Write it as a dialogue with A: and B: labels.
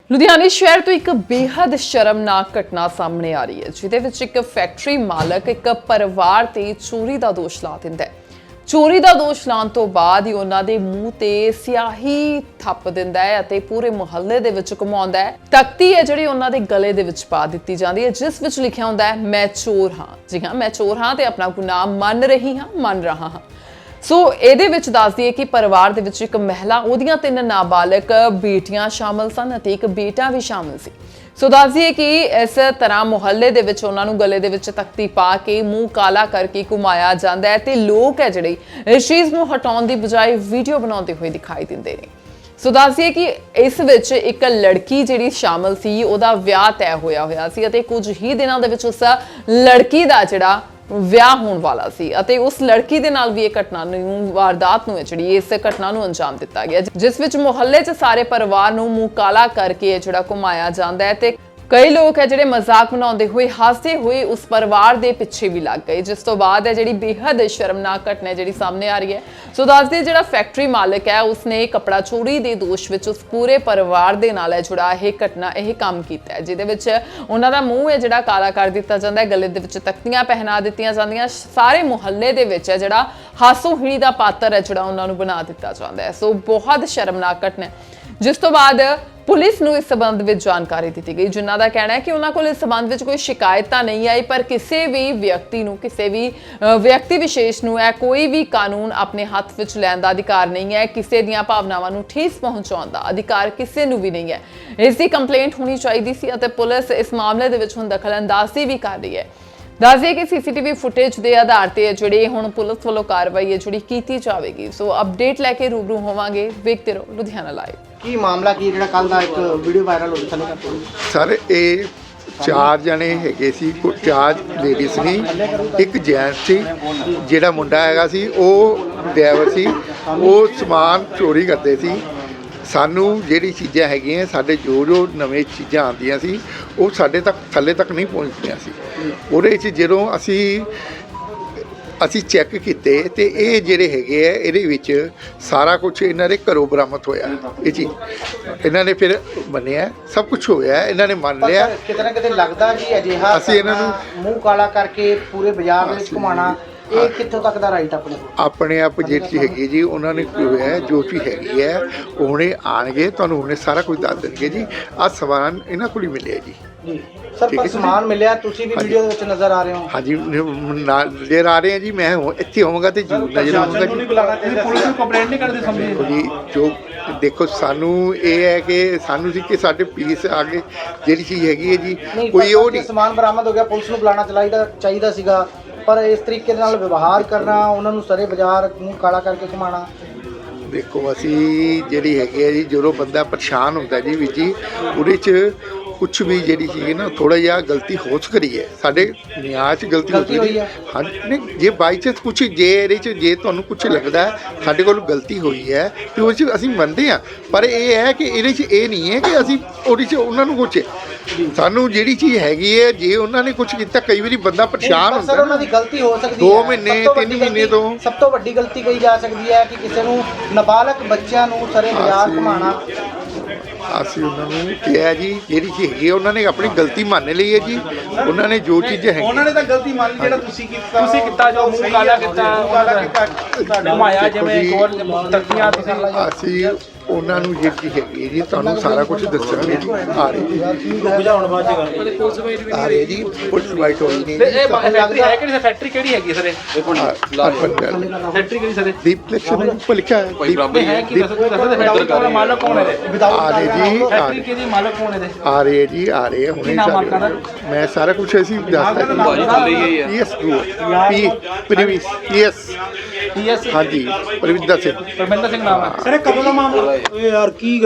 A: ਲੁਧਿਆਣਾ ਸ਼ਹਿਰ ਤੋਂ ਇੱਕ ਬੇहद ਸ਼ਰਮਨਾਕ ਘਟਨਾ ਸਾਹਮਣੇ ਆ ਰਹੀ ਹੈ, ਜਿਹਦੇ ਵਿੱਚ ਇੱਕ ਫੈਕਟਰੀ ਮਾਲਕ ਇੱਕ ਪਰਿਵਾਰ ਤੇ ਚੋਰੀ ਦਾ ਦੋਸ਼ ਲਾ ਦਿੰਦਾ ਹੈ। ਚੋਰੀ ਦਾ ਦੋਸ਼ ਲਾਉਣ ਤੋਂ ਬਾਅਦ ਹੀ ਉਹਨਾਂ ਦੇ ਮੂੰਹ ਤੇ ਸਿਆਹੀ ਥੱਪ ਦਿੰਦਾ ਹੈ ਅਤੇ ਪੂਰੇ ਮੁਹੱਲੇ ਦੇ ਵਿੱਚ ਘੁਮਾਉਂਦਾ ਹੈ। ਤਖਤੀ ਹੈ ਜਿਹੜੀ ਉਹਨਾਂ ਦੇ ਗਲੇ ਦੇ ਵਿੱਚ ਪਾ ਦਿੱਤੀ ਜਾਂਦੀ ਹੈ, ਜਿਸ ਵਿੱਚ ਲਿਖਿਆ ਹੁੰਦਾ ਹੈ, ਮੈਂ ਚੋਰ ਹਾਂ। ਜੀ ਹਾਂ, ਮੈਂ ਚੋਰ ਹਾਂ ਤੇ ਆਪਣਾ ਗੁਨਾਹ ਮੰਨ ਰਹਾ ਹਾਂ। ਸੋ ਇਹਦੇ ਵਿੱਚ ਦੱਸ ਦਈਏ ਕਿ ਪਰਿਵਾਰ ਦੇ ਵਿੱਚ ਇੱਕ ਮਹਿਲਾ, ਉਹਦੀਆਂ 3 ਨਾਬਾਲਗ ਬੇਟੀਆਂ ਸ਼ਾਮਲ ਸਨ ਅਤੇ ਇੱਕ ਬੇਟਾ ਵੀ ਸ਼ਾਮਲ ਸੀ। ਸੋ ਦੱਸ ਦਈਏ ਕਿ ਇਸ ਤਰ੍ਹਾਂ ਮੁਹੱਲੇ ਦੇ ਵਿੱਚ ਉਹਨਾਂ ਨੂੰ ਗਲੇ ਦੇ ਵਿੱਚ ਤਖਤੀ ਪਾ ਕੇ ਮੂੰਹ ਕਾਲਾ ਕਰਕੇ ਘੁਮਾਇਆ ਜਾਂਦਾ ਹੈ ਤੇ ਲੋਕ ਹੈ ਜਿਹੜੇ ਇਸ ਚੀਜ਼ ਨੂੰ ਹਟਾਉਣ ਦੀ ਬਜਾਏ ਵੀਡੀਓ ਬਣਾਉਂਦੇ ਹੋਏ ਦਿਖਾਈ ਦਿੰਦੇ ਨੇ। ਸੋ ਦੱਸ ਦਈਏ ਕਿ ਇਸ ਵਿੱਚ ਇੱਕ ਲੜਕੀ ਜਿਹੜੀ ਸ਼ਾਮਲ ਸੀ, ਉਹਦਾ ਵਿਆਹ ਤੈਅ ਹੋਇਆ ਸੀ ਅਤੇ ਕੁਝ ਹੀ ਦਿਨਾਂ ਦੇ ਵਿੱਚ ਉਸ ਲੜਕੀ ਦਾ ਜਿਹੜਾ ਵਿਆਹ ਹੋਣ ਵਾਲਾ ਸੀ ਅਤੇ ਉਸ ਲੜਕੀ ਦੇ ਨਾਲ ਵੀ ਇਹ ਘਟਨਾ ਨੂੰ, ਵਾਰਦਾਤ ਨੂੰ ਜਿਹੜੀ ਇਸ ਘਟਨਾ ਨੂੰ ਅੰਜਾਮ ਦਿੱਤਾ ਗਿਆ, ਜਿਸ ਵਿੱਚ ਮੁਹੱਲੇ 'ਚ ਸਾਰੇ ਪਰਿਵਾਰ ਨੂੰ ਮੂੰਹ ਕਾਲਾ ਕਰਕੇ ਜਿਹੜਾ ਘੁਮਾਇਆ ਜਾਂਦਾ ਹੈ ਤੇ ਕਈ ਲੋਕ ਹੈ ਜਿਹੜੇ ਮਜ਼ਾਕ ਬਣਾਉਂਦੇ ਹੋਏ, ਹੱਸਦੇ ਹੋਏ ਉਸ ਪਰਿਵਾਰ ਦੇ ਪਿੱਛੇ ਵੀ ਲੱਗ ਗਏ, ਜਿਸ ਤੋਂ ਬਾਅਦ ਹੈ ਜਿਹੜੀ ਬੇहद ਸ਼ਰਮਨਾਕ ਘਟਨਾ ਜਿਹੜੀ ਸਾਹਮਣੇ ਆ ਰਹੀ ਹੈ। ਸੋ ਦੱਸਦੇ ਜਿਹੜਾ ਫੈਕਟਰੀ ਮਾਲਕ ਹੈ, ਉਸਨੇ ਕੱਪੜਾ ਚੋਰੀ ਦੇ ਦੋਸ਼ ਵਿੱਚ ਉਸ ਪੂਰੇ ਪਰਿਵਾਰ ਦੇ ਨਾਲ ਹੈ ਜਿਹੜਾ ਇਹ ਕੰਮ ਕੀਤਾ ਹੈ, ਜਿਹਦੇ ਵਿੱਚ ਉਹਨਾਂ ਦਾ ਮੂੰਹ ਹੈ ਜਿਹੜਾ ਕਾਲਾ ਕਰ ਦਿੱਤਾ ਜਾਂਦਾ ਹੈ, ਗਲੇ ਦੇ ਵਿੱਚ ਤਖਤੀਆਂ ਪਹਿਨਾ ਦਿੱਤੀਆਂ ਜਾਂਦੀਆਂ, ਸਾਰੇ ਮੁਹੱਲੇ ਦੇ ਵਿੱਚ ਹੈ ਜਿਹੜਾ ਹਾਸੋ ਹੀਣੀ ਦਾ ਪਾਤਰ ਹੈ ਜਿਹੜਾ ਉਹਨਾਂ ਨੂੰ ਬਣਾ ਦਿੱਤਾ ਜਾਂਦਾ ਹੈ। ਸੋ ਬਹੁਤ ਸ਼ਰਮਨਾਕ ਘਟਨਾ ਹੈ, ਜਿਸ ਤੋਂ ਬਾਅਦ ਪੁਲਿਸ ਨੂੰ ਇਸ ਸਬੰਧ ਵਿੱਚ ਜਾਣਕਾਰੀ ਦਿੱਤੀ ਗਈ, ਜਿਨ੍ਹਾਂ ਦਾ ਕਹਿਣਾ ਹੈ ਕਿ ਉਹਨਾਂ ਕੋਲ ਇਸ ਸਬੰਧ ਵਿੱਚ ਕੋਈ ਸ਼ਿਕਾਇਤ ਤਾਂ ਨਹੀਂ ਆਈ, ਪਰ ਕਿਸੇ ਵੀ ਵਿਅਕਤੀ ਵਿਸ਼ੇਸ਼ ਨੂੰ ਹੈ ਕੋਈ ਵੀ ਕਾਨੂੰਨ ਆਪਣੇ ਹੱਥ ਵਿੱਚ ਲੈਣ ਦਾ ਅਧਿਕਾਰ ਨਹੀਂ ਹੈ, ਕਿਸੇ ਦੀਆਂ ਭਾਵਨਾਵਾਂ ਨੂੰ ਠੇਸ ਪਹੁੰਚਾਉਣ ਦਾ ਅਧਿਕਾਰ ਕਿਸੇ ਨੂੰ ਵੀ ਨਹੀਂ ਹੈ। ਇਸ ਦੀ ਕੰਪਲੇਂਟ ਹੋਣੀ ਚਾਹੀਦੀ ਸੀ ਅਤੇ ਪੁਲਿਸ ਇਸ ਮਾਮਲੇ ਦੇ ਵਿੱਚ ਹੁਣ ਦਖਲਅੰਦਾਜ਼ੀ ਵੀ ਕਰ ਰਹੀ ਹੈ। ਦੱਸਦੇ ਕਿ ਸੀਸੀਟੀਵੀ ਫੁਟੇਜ ਦੇ ਆਧਾਰ ਤੇ ਜਿਹੜੇ ਹੁਣ ਪੁਲਿਸ ਵੱਲੋਂ ਕਾਰਵਾਈ ਹੈ ਜਿਹੜੀ ਕੀਤੀ ਜਾਵੇਗੀ। ਸੋ ਅਪਡੇਟ ਲੈ ਕੇ ਰੂਬਰੂ ਹੋਵਾਂਗੇ, ਵੇਖਦੇ ਰਹੋ ਲੁਧਿਆਣਾ ਲਾਈਵ।
B: ਕੀ ਮਾਮਲਾ ਕੀ ਜਿਹੜਾ ਕੱਲ ਦਾ ਇੱਕ ਵੀਡੀਓ ਵਾਇਰਲ ਹੋਈ ਥੱਲੇ
C: ਸਰ, ਇਹ 4 ਜਣੇ ਹੈਗੇ ਸੀ, 4 ਲੇਡੀਜ਼ ਸੀ, ਇੱਕ ਜੈਂਟਸ ਸੀ। ਜਿਹੜਾ ਮੁੰਡਾ ਹੈਗਾ ਸੀ ਉਹ ਡਰਾਈਵਰ ਸੀ, ਉਹ ਸਮਾਨ ਚੋਰੀ ਕਰਦੇ ਸੀ। ਸਾਨੂੰ ਜਿਹੜੀ ਚੀਜ਼ਾਂ ਹੈਗੀਆਂ, ਸਾਡੇ ਜੋ ਨਵੇਂ ਚੀਜ਼ਾਂ ਆਉਂਦੀਆਂ ਸੀ ਉਹ ਸਾਡੇ ਤੱਕ ਥੱਲੇ ਤੱਕ ਨਹੀਂ ਪਹੁੰਚਦੀਆਂ ਸੀ। ਉਹਦੇ 'ਚ ਜਦੋਂ ਅਸੀਂ ਚੈੱਕ ਕੀਤੇ ਤੇ ਇਹ ਜਿਹੜੇ ਹੈਗੇ ਆ, ਇਹਦੇ ਵਿੱਚ ਸਾਰਾ ਕੁਝ ਇਹਨਾਂ ਦੇ ਘਰੋਂ ਬਰਾਮਦ ਹੋਇਆ। ਇਹ ਚੀਜ਼ ਇਹਨਾਂ ਨੇ ਫਿਰ ਮੰਨਿਆ, ਸਭ ਕੁਝ ਹੋਇਆ, ਇਹਨਾਂ ਨੇ ਮੰਨ ਲਿਆ।
B: ਕਿਤੇ ਨਾ ਕਿਤੇ ਲੱਗਦਾ ਕਿ ਅਜਿਹਾ
C: ਅਸੀਂ ਇਹਨਾਂ ਨੂੰ
B: ਮੂੰਹ ਕਾਲਾ ਕਰਕੇ ਪੂਰੇ ਬਾਜ਼ਾਰ ਦੇ ਵਿੱਚ ਘੁਮਾਉਣਾ, ਇਹ ਕਿੱਥੋਂ ਤੱਕ ਦਾ ਰਾਈਟ ਆਪਣੇ
C: ਆਪ ਜਿਹੜੀ ਹੈਗੀ ਜੀ, ਉਹਨਾਂ ਨੇ ਹੋਇਆ ਜੋ ਚੀਜ਼ ਹੈਗੀ ਹੈ, ਉਹਨੇ ਆਣਗੇ ਤੁਹਾਨੂੰ ਉਹਨੇ ਸਾਰਾ ਕੁਝ ਦੱਸ ਦੇਣਗੇ ਜੀ। ਆਹ ਸਮਾਨ ਇਹਨਾਂ ਕੋਲ ਹੀ ਮਿਲਿਆ ਜੀ।
B: ਸਰ, ਪਰ ਸਮਾਨ ਮਿਲਿਆ, ਤੁਸੀਂ ਵੀ ਵੀਡੀਓ ਦੇ ਵਿੱਚ ਨਜ਼ਰ ਆ ਰਹੇ ਹੋ।
C: ਹਾਂਜੀ, ਨਜ਼ਰ ਆ ਰਹੇ ਆ ਜੀ। ਮੈਂ ਇੱਥੇ ਹੋਵਾਂਗਾ ਤੇ ਜ਼ਰੂਰ ਨਜ਼ਰ ਆਵਾਂਗਾ ਜੀ।
B: ਪੁਲਿਸ ਨੂੰ ਕੰਪਲੇਂਟ ਨਹੀਂ ਕਰਦੇ ਸਮਝੇ
C: ਜੀ। ਜੋ ਦੇਖੋ, ਸਾਨੂੰ ਇਹ ਹੈ ਕਿ ਸਾਨੂੰ ਸੀ ਕਿ ਸਾਡੇ ਪੀਸ ਆ ਗਏ, ਜਿਹੜੀ ਚੀਜ਼ ਹੈਗੀ ਹੈ ਜੀ, ਕੋਈ ਉਹ ਨਹੀਂ।
B: ਸਮਾਨ ਬਰਾਮਦ ਹੋ ਗਿਆ, ਪੁਲਿਸ ਨੂੰ ਬੁਲਾਉਣਾ ਚਾਹੀਦਾ ਸੀਗਾ, ਪਰ ਇਸ ਤਰੀਕੇ ਦੇ ਨਾਲ ਵਿਵਹਾਰ ਕਰਨਾ, ਉਹਨਾਂ ਨੂੰ ਸਾਰੇ ਬਾਜ਼ਾਰ ਮੂੰਹ ਕਾਲਾ ਕਰਕੇ ਘੁਮਾਉਣਾ।
C: ਦੇਖੋ, ਅਸੀਂ ਜਿਹੜੀ ਹੈਗੀ ਹੈ ਜੀ, ਜਦੋਂ ਬੰਦਾ ਪਰੇਸ਼ਾਨ ਹੁੰਦਾ ਜੀ ਵੀਰ ਜੀ, ਉਹਦੇ 'ਚ ਕੁਛ ਵੀ ਜਿਹੜੀ ਚੀਜ਼ ਨਾ ਥੋੜਾ ਜਿਹਾ ਗਲਤੀ ਹੋ ਸਕਦੀ ਹੈ, ਸਾਡੇ ਨਿਆਂ 'ਚ ਗਲਤੀ ਹੋਈ ਹੈ। ਹਾਂ, ਨਹੀਂ, ਜੇ ਬਾਈ ਚਾਂਸ ਕੁਛ ਇਹਦੇ 'ਚ ਜੇ ਤੁਹਾਨੂੰ ਕੁਛ ਲੱਗਦਾ ਸਾਡੇ ਕੋਲ ਗਲਤੀ ਹੋਈ ਹੈ ਤੇ ਉਹ 'ਚ ਅਸੀਂ ਮੰਨਦੇ ਹਾਂ, ਪਰ ਇਹ ਹੈ ਕਿ ਇਹਦੇ 'ਚ ਇਹ ਨਹੀਂ ਹੈ ਕਿ ਅਸੀਂ ਉਹਦੇ 'ਚ ਉਹਨਾਂ ਨੂੰ ਕੁਛ, ਸਾਨੂੰ ਜਿਹੜੀ ਚੀਜ਼ ਹੈਗੀ ਹੈ, ਜੇ ਉਹਨਾਂ ਨੇ ਕੁਛ ਕੀਤਾ, ਕਈ ਵਾਰੀ ਬੰਦਾ ਪਰੇਸ਼ਾਨ ਹੁੰਦਾ।
B: ਸਰ, ਉਹਨਾਂ ਦੀ ਗਲਤੀ ਹੋ ਸਕਦੀ ਹੈ
C: 2 ਮਹੀਨੇ 3 ਮਹੀਨੇ ਤੋਂ।
B: ਸਭ ਤੋਂ ਵੱਡੀ ਗਲਤੀ ਕਹੀ ਜਾ ਸਕਦੀ ਹੈ ਕਿ ਕਿਸੇ ਨੂੰ ਨਾਬਾਲਗ ਬੱਚਿਆਂ ਨੂੰ ਸਾਰੇ ਬਾਜ਼ਾਰ ਘੁਮਾਉਣਾ।
C: ਅਸੀਂ ਉਹਨਾਂ ਨੂੰ ਕਿਹਾ ਜੀ, ਜਿਹੜੀ ਚੀਜ਼ ਹੈਗੀ ਉਹਨਾਂ ਨੇ ਆਪਣੀ ਗਲਤੀ ਮੰਨ ਲਈ ਹੈ ਜੀ। ਉਹਨਾਂ ਨੇ ਜੋ ਚੀਜ਼ਾਂ ਹੈਗੀਆਂ,
D: ਉਹਨਾਂ ਨੇ ਤਾਂ ਗਲਤੀ ਮੰਨ ਲਈ। ਜਿਹੜਾ ਤੁਸੀਂ ਕੀਤਾ ਜੋ ਮੂੰਹ ਕਾਲਾ ਕੀਤਾ, ਘੁਮਾਇਆ, ਜਿਵੇਂ ਕੋਲ ਤਖਤੀਆਂ ਤੁਸੀਂ।
C: ਅਸੀਂ ਉਹਨਾਂ ਨੂੰ ਜਿਹੜੀ ਚੀਜ਼ ਹੈਗੀ ਜੀ, ਤੁਹਾਨੂੰ ਸਾਰਾ ਕੁਝ ਦੱਸਾਂਗੇ ਜੀ। ਆ ਰਹੇ ਜੀ, ਆ ਰਹੇ ਜੀ। ਪੁਲਿਸ ਵਾਈਟ ਹੋਈ ਨਹੀਂ।
D: ਇਹ ਫੈਕਟਰੀ ਹੈ ਕਿਹੜੀ? ਫੈਕਟਰੀ ਕਿਹੜੀ ਹੈਗੀ ਸਰ? ਫੈਕਟਰੀ ਕਿਹੜੀ ਸਰ?
C: ਦੀਪਲੇਕਸ਼ਨ ਉੱਪਰ ਲਿਖਿਆ ਹੈ।
D: ਕੋਈ ਬਰਾਬਰ ਹੈ ਕਿ ਫੈਕਟਰੀ ਦਾ ਮਾਲਕ ਕੌਣ ਹੈ?
C: ਆ ਰਹੇ ਜੀ,
D: ਫੈਕਟਰੀ ਕਿਹਦੀ ਮਾਲਕ ਕੌਣ ਹੈ?
C: ਆ ਰਹੇ ਜੀ, ਆ ਰਹੇ ਹੁਣੇ ਸਾਰੇ। ਮੈਂ ਸਾਰਾ ਕੁਝ ਅਸੀਂ ਦੱਸਦਾ ਜੀ। ਯੈਸ ਹਾਂਜੀ, ਪਰਵਿੰਦਰ ਸਿੰਘ
D: ਨਾਮ ਹੈ।
B: ਸਰ, ਕਦੋਂ ਦਾ ਮਾਮਲਾ? ਯਾਰ ਕੀ